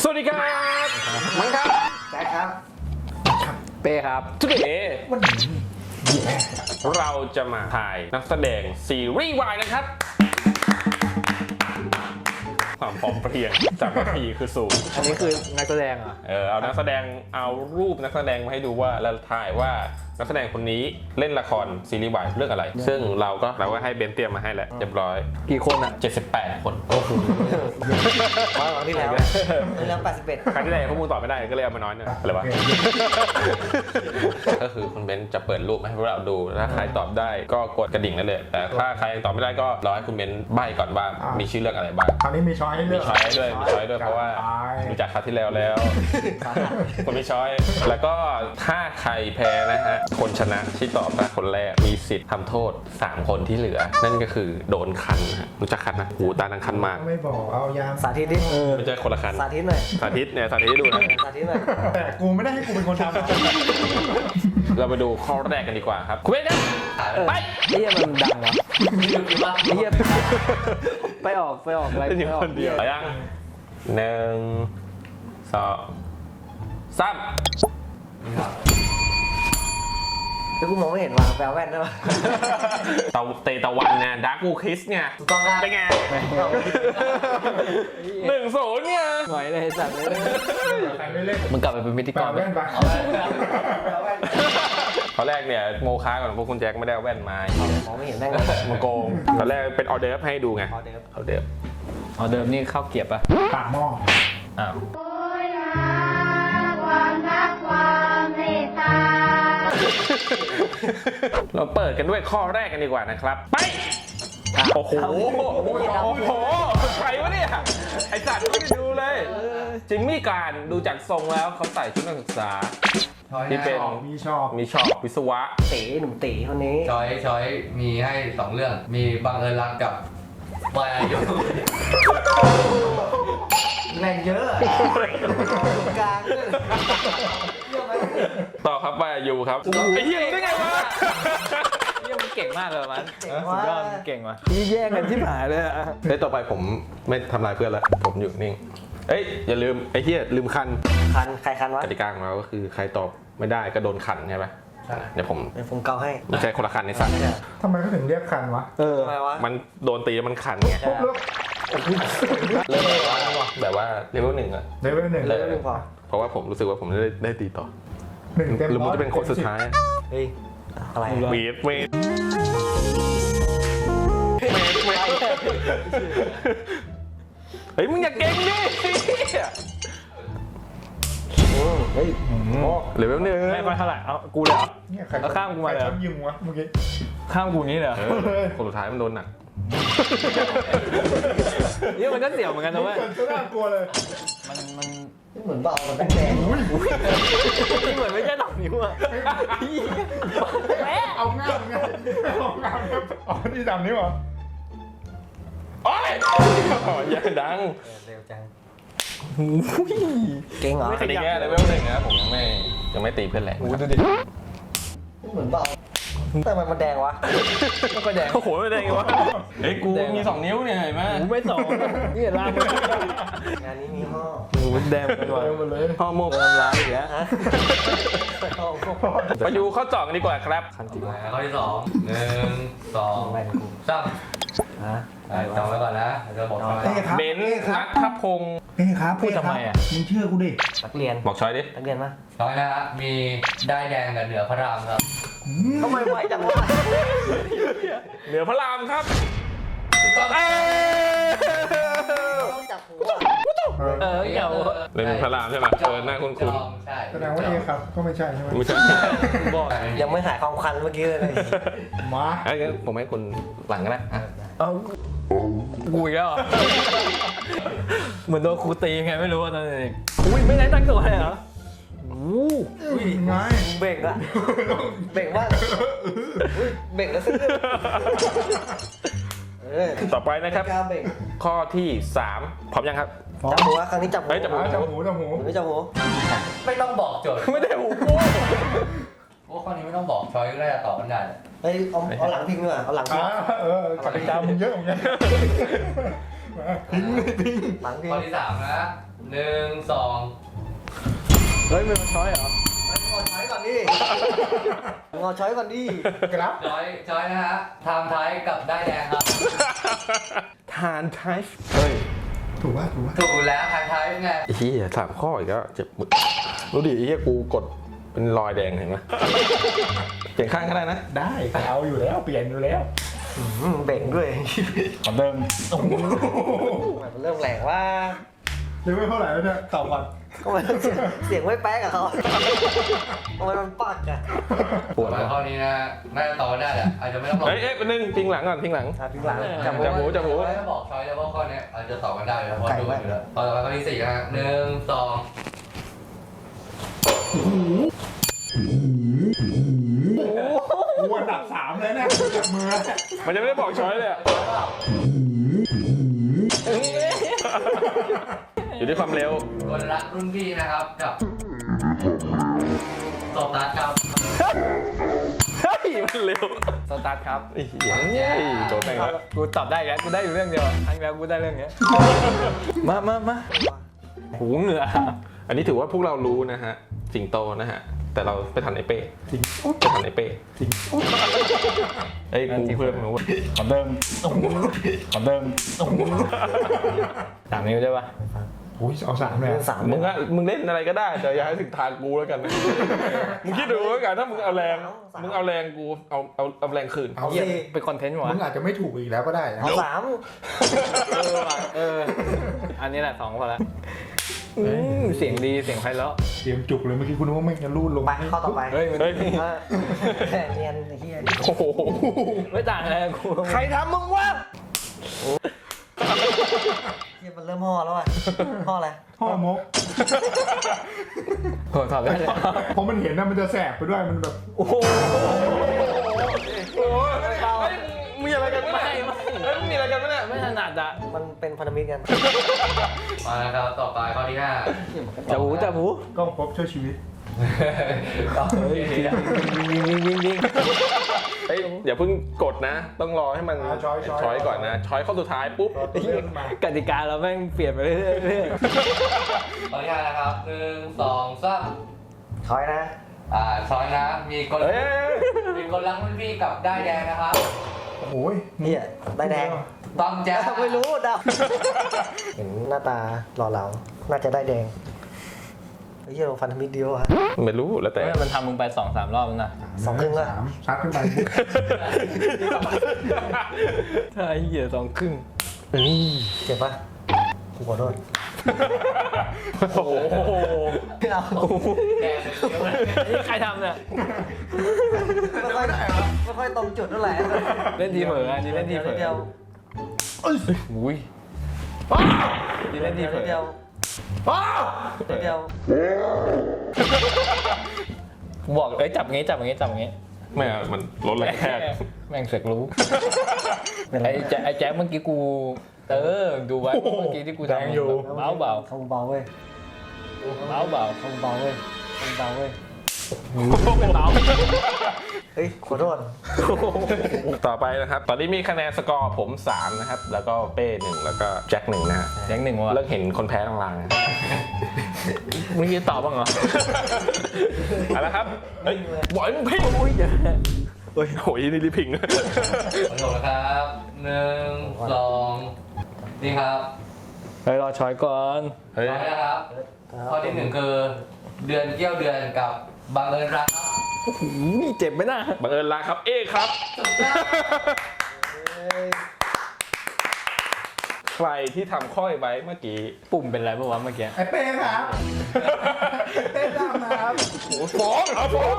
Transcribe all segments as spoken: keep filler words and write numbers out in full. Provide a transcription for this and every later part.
วัสดีครับมังครับแจ็คครับเป้ครับทุกเดย์วันนี้เราจะมาถ่ายนักแสดงซีรีส์วายนะครับความพร้อมเพรียงจากนาทีคือสูงอันนี้คือนักแสดงเหรอเออเอานักแสดงเอารูปนักแสดงมาให้ดูว่าแล้วถ่ายว่านักแสดงคนนี้เล่นละครซีรีส์วายเรื่องอะไรซึ่งเราก็เราก็ให้เบนเตรียมมาให้แล้วเรียบร้อยกี่คนอ่ะเจ็ดสิบแปดคนโอ้โหครั้งที่แล้วครั้งที่แล้วแปดสิบเอ็ดครั้งที่แล้วพวกมึงตอบไม่ได้ก็เลยเอามาน้อยหน่อยอะไรวะก็คือคุณเบนจะเปิดรูปให้พวกเราดูถ้าใครตอบได้ก็กดกระดิ่งนั่นเลยแต่ถ้าใครยังตอบไม่ได้ก็รอให้คุณเบนใบ้ก่อนว่ามีชื่อเรื่องอะไรบ้างคราวนี้มีช้อยให้เลือกมีช้อยด้วยมีช้อยด้วยเพราะว่าดูจากคราวที่แล้วแล้วคนมีช้อยแล้วก็ถ้าใครแพ้นะฮะคนชนะที่ตอบได้คนแรกมีสิทธิ์ทำโทษสามคนที่เหลือนั่นก็คือโดนคันนะรู้จักคันนะหูตานังคันมากไม่บอกเอายามสาธิตดิไม่ใช่คนละคันสาธิตหน่อยสาธิตเนี่ยสาธิตให้ดูนะสาธิตหน่อยแต่กูไม่ได้ให้กูเป็นคนทำเราไปดูข้อแรกกันดีกว่าครับคุณเบนครับไปไอ้เหี้ยมันดังวะไอ้เหี้ยไปออกไปออกอะไรไปออกคนเดียวยังหนึ่งสองสามแล้วกูมองไม่เห็นว่ะแปลแว่นได้ปะเตาเตตะวันเนี่ยดาร์กบูคิสเนี่ยถูกต้องครับเป็นไงหนึ่งศูนย์เนี่ยหน่อยเลยสัตว์เลยใครไม่เล่นมึงกลับไปเป็นพิธีกรแว่นไปตอนแรกเนี่ยโมค้าก่อนพวกคุณแจ็คไม่ได้แว่นมามองไม่เห็นแม่งมาโกงตอนแรกเป็นออเดิร์ฟให้ดูไงออเดิร์ฟออเดิร์ฟออเดิร์ฟนี่ข้าวเกี๊ยวป่ะปากหม้ออ้าวความรักความเมตตาเราเปิดกันด้วยข้อแรกกันดีกว่านะครับไปโอ้โหโอ้โหใครวะเนี่ยไอสัตว์ไม่ได้ดูเลยจิมมี่การดูจากทรงแล้วเขาใส่ชุดนักศึกษาที่เป็นมีชอบมีชอบวิศวะตีหนุ่มตีคนนี้ช้อยช้อยมีให้สองเรื่องมีบังเอิญรักกับวายอายุแรงเยอะกลางต่อครับวายอายุครับไอ้เหี้ยได้ไงวะเหี้ยมันเก่งมากเลยมันสุดยอดเก่งว่ะยี่แย่งกันที่หายเลยอ่ะเฮ้ยต่อไปผมไม่ทำลายเพื่อนแล้วผมอยู่นิ่งเอ้ยอย่าลืมไอ้เหี้ยลืมคันคันใครคันวะกติกาของเราก็คือใครตอบไม่ได้ก็โดนคันใช่ไหมเดี๋ยวผมเป็นผมเกาให้ไม่ใช่คนละคันในสัตว์ทำไมเขาถึงเรียกคันวะเออมันโดนตีมันคันไงเริ่มแบบว่าเลเวลหนึ่งอะเลเวลหนึ่งเลเวลหนึ่งพอเพราะว่าผมรู้สึกว่าผมได้ได้ตีต่อหนึ่งเต็มหรือมันจะเป็นคนสุดท้ายเฮ้ยอะไรเวทเวทเฮ้ยมึงอย่าเก่งดิเฮ้ยเลเวลหนึ่งไม่ค่อยเท่าไหร่เอากูเลยเหรอแล้วข้ามกูมาเลยยิงวะเมื่อกี้ข้ามกูนี้เลยคนสุดท้ายมันโดนหนักนี่มันก็เสี่ยวเหมือนกันนะเว้ยก็น่ากลัวเลยมันมันเหมือนเบามันแดงนี่เหมือนไม่ใช่ดอกนิ้วอะเอาง่ามไงเอาง่ามอ๋อที่ดำนิ้วเหรอโอ้ยอย่าดังเร็วจังเก่งเหรออันนี้แค่เลเวลหนึ่งนะผมยังไม่ยังไม่ตีเพื่อนแหละดูดิเหมือนเบาแต่มันมันแดงวะมันก็แดงโอ้โหไม่แดงวะเฮ้ยกูมีสองนิ้วเนี่ยเห็นไหมกูไม่สองนี่ล่างงานนี้มีห่อมันแดงกันว่ะห่อหมกทำร้ายอีกแล้วไปดูข้อสองกันดีกว่าครับข้อที่สองหนึ่งสองสามจำไว้ก่อนนะจะบอกเบนซ์นัทพงศ์เฮ้ยครับพูดทำไมอ่ะมึงเชื่อกูดินักเรียนบอกช้อยดินักเรียนมั้ยช้อยนะฮะมีได้แดงกับเหนือพระรามครับทำไมไวจังวะเหนือพระรามครับต้องจับหัวเออเกี่ยวเลยเป็นพระรามใช่ไหมเออหน้าคุ้นคุ้นใช่แสดงว่าเอครับก็ไม่ใช่ใช่ไหมไม่ใช่บอกยังไม่หายความคันเมื่อกี้เลยมาไอ้ผมให้คุณหลังกันนะเอากูอีกแล้วเหมือนโดนครูตีไงไม่รู้ว่าตอนเด็กอุ้ยไม่ได้ตั้งตัวเลยเหรออู้ไงเบ่งอะเบ่งว่าเบ่งแล้วซื้อต่อไปนะครับข้อที่สามพร้อมยังครับจับหัวครั้งนี้จับหัวจับหัวจับหูจับหูไม่จับหัวไม่ต้องบอกโจทย์ไม่ได้หูกูโอ้ข้อนี้ไม่ต้องบอกช้อยก็ได้ตอบกันได้เฮ้ยเอาเอาหลังพิงด้วยเอาหลังพิงเออกติกามึงเยอะเหมือนกันพิงพิงข้อที่สามนะหนึ่งสองเฮ้ยมันมาช้อยเหรองอช้อยก่อนดิงอช้อยก่อนดิครับช้อยช้อยนะฮะไทม์ไทยกับได้แดงครับทานไทฟ์เฮ้ยถูกป่ะถูกป่ะถูกแล้วไทม์ไทยไงไอ้เหี้ยสามข้ออีกแล้วเจ็บมือรู้ดิไอ้เหี้ยกูกดเป็นรอยแดงเห็นไหมเปลี่ยนข้างก็ได้นะได้เอาอยู่แล้วเปลี่ยนอยู่แล้วอืมเบ่งด้วยขอเดิมมันเริ่มแหลกว่าเลเวลเท่าไหร่แล้วเนี่ยตอบก่อนก็มันเสียงเสียงไม่แป๊กกับเขาทำไมมันปักอะปวดมาข้อนี้นะน่าจะตอบได้แหละอาจจะไม่ต้องลงเฮ้ยเอ๊ะเป็นหนึ่งพิงหลังก่อนพิงหลังอ่ะพิงหลังจับจับหูจับหูถ้าบอกช้อยแล้วว่าข้อนี้อาจจะตอบกันได้แล้วเพราะดูกันอยู่แล้วต่อไปข้อที่สี่นะฮะหนึ่งสองกูอันดับสามเลยเนี่ยจับมือมันจะไม่ได้บอกช้อยเลยอะอยู่ที่ความเร็วคนรักรุ่นพี่นะครับกับโซตัสครับเฮ้ยมันเร็วสตาร์ทครับไอ้เหี้ยไอ้โดนแม่งแล้วกูตอบได้แล้วกูได้อยู่เรื่องเดียวครั้งแล้วกูได้เรื่องเนี้ยมามามาหูเหงื่ออันนี้ถือว่าพวกเรารู้นะฮะสิงโตนะฮะแต่เราไปทันไอเป้ไปทันไอเป้ไอ้ยกูเพื่อนรู้ขอเดิมขอเดิมสามนิ้วได้ปะโอ้ยเอาสามเลยสามมึงอะมึงเล่นอะไรก็ได้แต่อย่าให้ถึงทางกูแล้วกันนะมึงคิดดูแล้วกันถ้ามึงเอาแรงมึงเอาแรงกูเอาเอาเอาแรงคืนเอาเหี้ยสิเป็นคอนเทนต์วะมึงอาจจะไม่ถูกอีกแล้วก็ได้นะเอาสามเออว่ะเอออันนี้แหละสองพอละอืมเสียงดีเสียงไพเราะเตรียมจุกเลยเมื่อกี้คุณนึกว่าไม่งจะรูดลงไปข้อต่อไปเฮ้ยมันเฮ้ยเออเนียนไอ้เหี้ยโอ้โหไม่ต่างอะไรกับกูใครทำมึงวะเหี้ยมันเริ่มห่อแล้วอ่ะห่ออะไรพ่อมกโหตอบได้เลยเพราะมันเห็นนะมันจะแสบไปด้วยมันแบบโอ้โหโอ้ยมีอะไรกันไหมไม่ไม่เฮ้ยมีอะไรกันไหมเนี่ยไม่ถนัดอะมันเป็นพันธมิตรกันมาแล้วครับต่อไปข้อที่ห้าจับหูจับหูกล้องพบช่วยชีวิตต่อไปเฮ้ยวิ่งวิ่งวิ่งวิ่งเฮ้ยอย่าเพิ่งกดนะ ต้องรอให้มันอ่าช้อยช้อยช้อยก่อนนะช้อยข้อสุดท้ายปุ๊บรอตัวเลื่อนมากติกาเราแม่งเปลี่ยนไปเรื่อยๆเรื่อยข้อที่ห้านะครับหนึ่งสองสามช้อยนะอ่าช้อยนะมีคนเอ้ยมีคนรักรุ่นพี่กับได้แดงนะครับโอ้ยเหี้ยได้แดงต้องแจ๊บไม่รู้เดาเห็นหน้าตาหล่อเหลาน่าจะได้แดงไอ้เหี้ยเราพันธมิตรเดียวอะไม่รู้แล้วๆแต่เฮ้ยมันทำมึงไปสองสามรอบแล้วนะสองครึ่งละสามซัดขึ้นไปปุ๊บใช่เหี้ยสองครึ่งเจ็บปะกูขอโทษโอ้โหไม่เอาแดงเลยนี่ใครทำเนี่ยไม่ค่อยไม่ค่อยตรงจุดเท่าไหร่เล่นทีเผลออันนี้เล่นทีเผลอเดียวอุ้ยนี่เล่นทีเผลอเดียวเดียวบอกเอ้ยจับงี้จับงี้จับงี้ไม่อะมันลดแรงแค่แม่งเสกรู้ไอ้แจ๊ไอ้แจ๊คเมื่อกี้กูเออดูไว้เมื่อกี้ที่กูทำเบาเบาเขาเบาเว้ยเบาเบาเขาเบาเว้ยเขาเบาเว้ยเป็นเบาเฮ้ยขอโทษต่อไปนะครับ ตอนนี้มีคะแนนสกอร์ผมสามนะครับ แล้วก็เป้หนึ่งแล้วก็แจ็คหนึ่งนะฮะแจ๊คหนึ่งว่ะเลิกเห็นคนแพ้ลางๆนะมึงยืนตอบบ้างเหรอเอาละครับเฮ้ยบอยมึงพิงอุ้ยเดี๋ยวเฮ้ยโหยนี่รีบพิงขอโทษนะครับหนึ่งสองนี่ครับเฮ้ยรอช้อยก่อนเฮ้ยช้อยนะครับ ข้อที่หนึ่งคือเดือนเกี่ยวเดือนกับบังเอิญรักครับนี่เจ็บไหมนะบังเอิญลาครับเอครับ ใครที่ทำข้อยไว้เมื่อกี้ปุ่มเป็นไรปะวะเมื่อกี้ไอ้เป้ครับเป้ดำนะครับโอ้ฟ้องเอาฟ้อง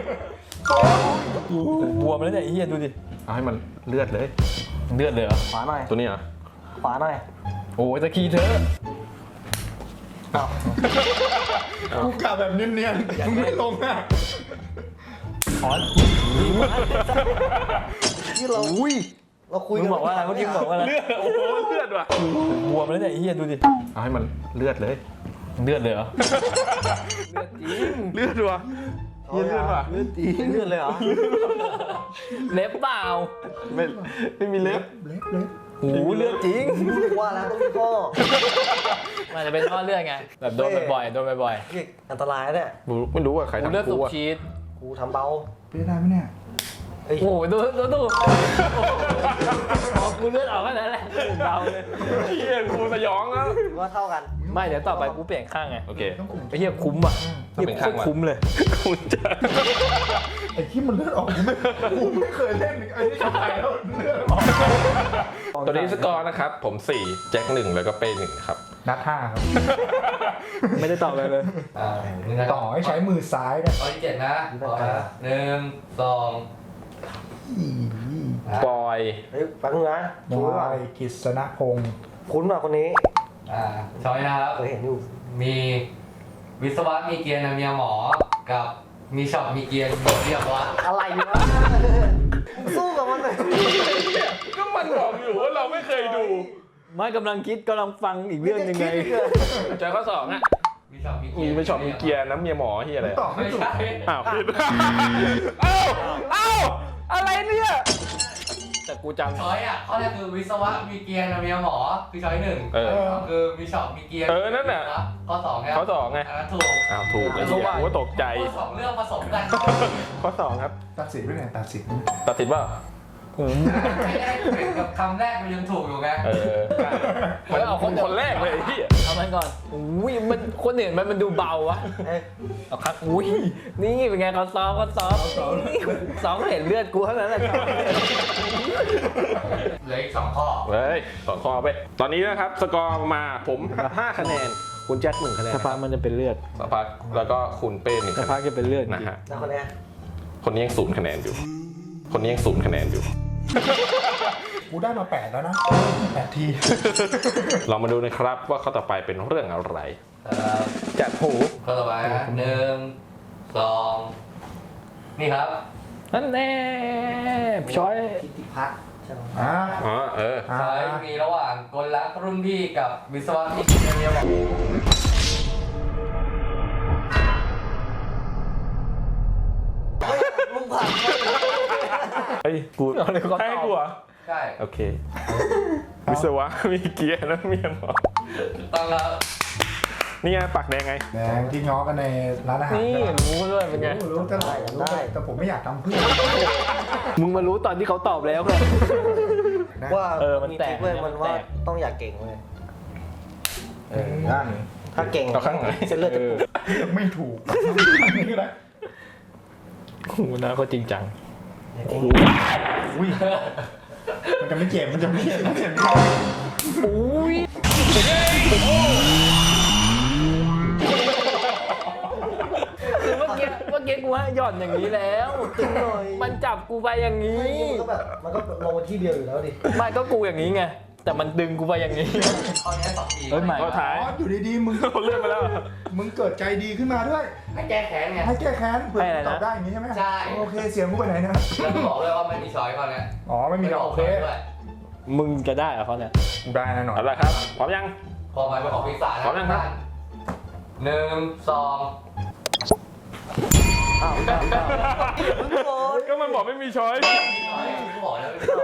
บวมแล้วเนี่ยไอ้เหี้ยดูดิเอาให้มันเลือดเลยเลือดเลยเหรอขวาหน่อยตัวนี้เหรอขวาหน่อยโอ้ยตะกี้เธออ้าวกูกลับแบบเนียนๆมึงไม่ลงอ่ะถอนที่เราอุ้ยเราคุยมึงบอกว่าอะไรเมื่อกี้มึงบอกว่าอะไรเลือดโอ้โหเลือดว่ะบวมแล้วเนี่ยไอ้เหี้ยดูดิเอาให้มันเลือดเลยเลือดเลยเหรอเลือดว่ะเลือดว่ะเลือดจริงเลือดเลยเหรอเล็บเปล่าไม่ไม่มีเล็บเล็บเล็บหูเลือดจริงว่าแล้วต้องมีพ่อมันจะเป็นท่อเลือดไงแบบโดนบ่อยๆโดนบ่อยนี่อันตรายนะเนี่ยไม่รู้ว่าใครๆหูทำเลือดสูกูบอะชีสกูทำเบาเป็นได้ไหมเนี่ยเอ้ยโอ้โหดูดูดูออกกูเลือดออกแค่นั้นแหละเบาเลยเฮียกูสยองแล้วว่าเท่ากันไม่เดี๋ยวต่อไปกูเปลี่ยนข้างไงโอเคต้องขุ่นไอ้เหี้ยคุ้มอ่ะต้องเป็นข้างโคตรคุ้มเลยคุณจะไอ้ที่มันเลือดออกกูไม่กูไม่เคยเล่นไอ้ที่ชายแล้วเลือดออกตัวนี้สกอร์นะครับ ผมสี่แจ็คหนึ่งแล้วก็เป้หนึ่งครับนัดห้าครับไม่ได้ตอบอะไรเลยอ่ามึงนะต่อให้ใช้มือซ้ายนะข้อที่เจ็ดนะต่อนะหนึ่งสองนะปอยเฮ้ยฟังนะบคุ้นว่ะอยกฤษณพงศ์คุ้นว่ะคนนี้อ่าช้อยนะครับเคยเห็นอยู่มีวิศวะมีเกียร์นะเมียหมอ กับมีช็อปมีเกียร์มีเรียบวะอะไรวะมึงสู้กับมันหน่อยก็มันบอกอยู่ว่าเราไม่เคยดูไม่กำลังคิดกำลังฟังอีกเรื่องยังไงเจอข้อสองอ่ะมีช็อปมีเกีมียร์ไปช็อปมีเกียร์น้ำเมียหมอที่อะไรตอบไม่ไม่ถูกใช่อ้าวผิดเอ้าเอ้าอะไรเนี่ยแต่กูจำช้อยอ่ะข้อแรกคือวิศวะมีเกียร์นะเมียหมอคือช้อยหนึ่งเออคือมีช็อปมีเกียร์เออนั่นน่ะข้อสองไงข้อสองไงอันนั้นถูกอ้าวถูกไอ้เหี้ยกูก็ตกใจข้อสองเรื่องผสมกันข้อสองครับตัดสินด้วยไงตัดสินตัดสินว่าไม่ได้เป็นกับคำแรกมันยังถูกอยู่ไงเออมันเอาคนคนแรกเลยไอ้เหี้ยเอามันก่อนอุ้ยมันคนอื่นมันมันดูเบาวะเอ้ยเอาครับอุ้ยนี่เป็นไงเขาซ้อมเขาซ้อมซ้อมเห็นเลือดกูเท่านั้นแหละเหลืออีกสองข้อเฮ้ยสองข้อไป ตอนนี้นะครับสกอร์มาผมห้าคะแนน คุณแจ็คหนึ่งคะแนนสักพักมันจะเป็นเลือดสักพักแล้วก็คุณเป้หนึ่งสักคะแนพักนจะเป็นเลือดนะฮะแล้วคนเนี้ยคนนี้ยังศูนย์คะแนนอยู่ คนนี้ยังศูนย์คะแนนอยู่กูได้มาแปดแล้วนะแปดทีเรามาดูนะครับว่าข้อต่อไปเป็นเรื่องอะไรเอ่อจัดหูข้อต่อไปนะหนึ่งสองนี่ครับนั่นแน่ช้อยกิติพัฒน์ใช่ไหมอ่าอ๋อเอออ่าใช้มีระหว่างกลลักษณ์รุ่นพี่กับวิศวะที่กินเรียบอกมึงผ่านเฮ้ยกูให้กูเหรอใช่โอเค วิศวะมีเกียร์นะเมียหมอถูกต้องครับนี่ไงปักแดงไงแดงที่ง้อกันในร้านอาหารนี่ใช่ไหมรู้ด้วยเป็นไงรู้รู้แต่รู้แต่แต่ผมไม่อยากทำเพื่อนมึงมารู้ตอนที่เขาตอบแล้วไงนะว่าเออมันแตกทริคเว้ยมันว่ามันแตกต้องอยากเก่งเว้ยเออได้ถ้าเก่งเอาข้างไหนเส้นเลือดจะปูดไม่ถูกนี่ก็ได้โอ้โหนะเขาจริงจังอุ้ยมันจะไม่เจ็บมันจะไม่เจ็บมันจะไม่เจ็บอุ้ยคือเมื่อกี้เมื่อกี้กูให้หย่อนอย่างนี้แล้วตึงหน่อยมันจับกูไปอย่างนี้มันก็แบบมันก็ลงมาที่เดียวอยู่แล้วดิไม่ก็กูอย่างนี้ไง แต่มันดึงกูไปอย่างนี้ข้อนี้สองทีเฮ้ยใหม่ข้อท้ายอ๋ออยู่ดีๆมึงเลื่อนไปแล้วมึงเกิดใจดีขึ้นมาด้วยให้แก้แค้นไงให้แก้แค้นเผื่อให้อะไรนะตอบได้อย่างนี้ใช่ไหมใช่โอเคเสียงกูไปไหนนะแล้วก็บอกเลยว่าไม่มีช้อยข้อเนี้ยอ๋อไม่มีหรอกโอเคด้วยมึงจะได้เหรอเขาเนี่ยได้แน่นอนเอาละครับ พร้อมยังพอไปเป็นของพิศาจนะพร้อมยังครับหนึ่งสองอ้าวอ้าวอ้าวมึงโกรธก็มันบอกไม่มีช้อยช้อยกูบอกแล้วไม่ชอบ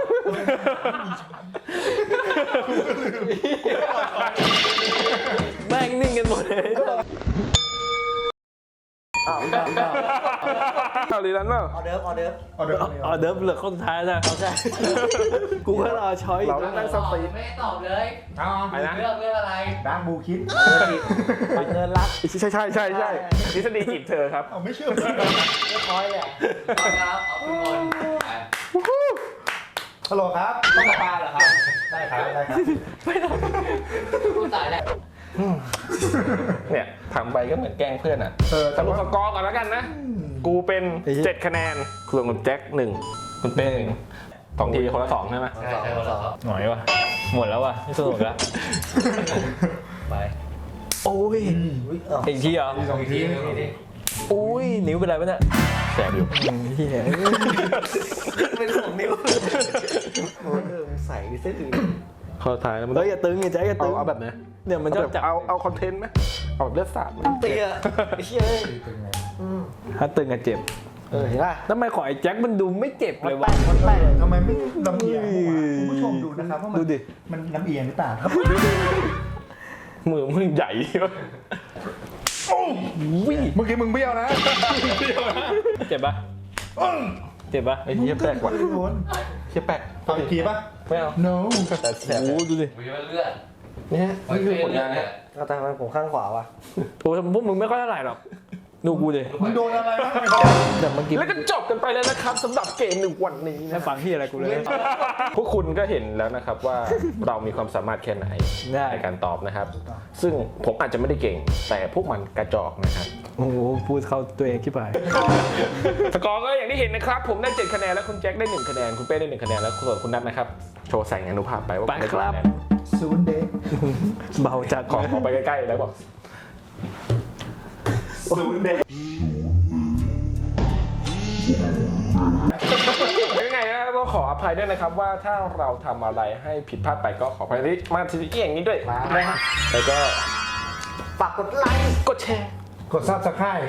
แม่งนิ่งกันหมดเลยอ้าวอ้าวอ้าวเอาลีลันเปล่าออเดิร์ฟออเดิร์ฟเอาเดี๋ยวอ๋อเดิฟเหลือคนสุดท้ายนะเอาใช่กูก็รอช้อยเราต้องนั่งสติไม่ได้ตอบเลยเอาไปนะเรื่องเรื่องอะไรดังบูคิดไปเงินรักใช่ใช่ใช่ใช่ทฤษฎีจีบเธอครับเอาไม่เชื่อไม่คอยเลยอะต้องครับเอาทุกคนไปฮัลโหลครับต้องปลาเหรอครับได้ครับได้ครับกูตายแล้วเนี่ยทำไปก็เหมือนแกล้งเพื่อนอ่ะเออสแต่รุปว่าสกอร์ก่อนแล้วกันนะ กูเป็นเจ็ดคะแนนส่วนคุณแจ็คหนึ่งคุณเป้หนึ่งสองทีคนละสองใช่ไหมใช่ใช่คนละครับหน่อยวะหมดแล้ววะไม่สนุกแล้วไปโอ้ยอุ๊ยอ้าวอีกทีเหรอสองอีกทีทีหนึงอีกทีอุ้ยนิ้วเป็นไรปะเนี่ยแสบอยู่เฮียเป็นของนิ้วโอ้ยเออมึงใส่ดิเส้นอื่นข้อท้ายแล้วมันเฮ้ยอย่าตึงอย่าใจอย่าเอาตึงเอาแบบไหนเนี่ยมันชอบจับเอาเอาคอนเทนต์ไหมเอาแบบเลือดสาดไหมเตี้ยไอ้เชี่ยเอ้ยเป็นไงอืมถ้าตึงอะเจ็บเออเห็นป่ะทำไมของไอ้แจ็คมันดูไม่เจ็บมันเลยแป้วะงมันแป้งทำไมไม่ลำเอียงหัวคุณผู้ชมดูนะครับว่ามันดูดิมันลำเอียงหรือเปล่าครับมือมึงใหญ่วะวิ่งเมื่อกี้มึงเบี้ยวนะเจ็บปะเจ็บปะไอ้เหี้ยแปลกว่ะโดนเหี้ยแปลกเอาอีกทีป่ะไม่เอา no แต่แสบโอ้ดูดิมีมันเลือดนี่ฮะนี่คือผลงานเนี่ฮะยเอาแต่ทำไมผมข้างขวาวะโอ้พวกมึงไม่ค่อยเท่าไหร่หรอกดูกูดิมึงโดนอะไรบ้างแต่เมื่อกี้แล้วก็จบกันไปแล้วนะครับสำหรับเกมหนึ่งวันนี้ไม่นะฟังที่อะไรกูเลยพวกคุณก็เห็นแล้วนะครับว่าเรามีความสามารถแค่ไหนได้ในการตอบนะครับ ซึ่งผมอาจจะไม่ได้เก่ง แต่พวกมันกระจอกนะครับโอ้โหพูดเข้าตัวเองขี้ไปสกอร์ก็อย่างที่เห็นนะครับ ผมได้เจ็ดคะแนนแล้วคุณแจ็คได้หนึ่งคะแนนคุณเป้ได้หนึ่งคะแนนแล้วส่วนคุณนัทนะครับโชว์แสงอนุภาพไปว่าไปณได้ครับกี่ะแนนศูนย์เด็กเบาจัดขอขอไปใกล้ๆแล้วบอกศูนย์เด็กยังไงนะก็ขออภัยด้วยนะครับว่าถ้าเราทำอะไรให้ผิดพลาดไปก็ขออภัยที่มาทีนี้อย่างนี้ด้วยนะฮะแล้วก็ฝากกดไลค์กดแชร์กดซับสไครต์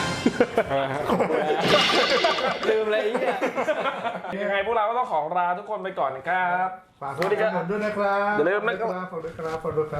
ลืมเลยไอ้เนี่ยยังไงพวกเราก็ต้องขอลาทุกคนไปก่อนนะครับฝากสวัสดีครับด้วยนะครับอย่าลืมนะครับฝากด้วยครับฝากด้วยครับ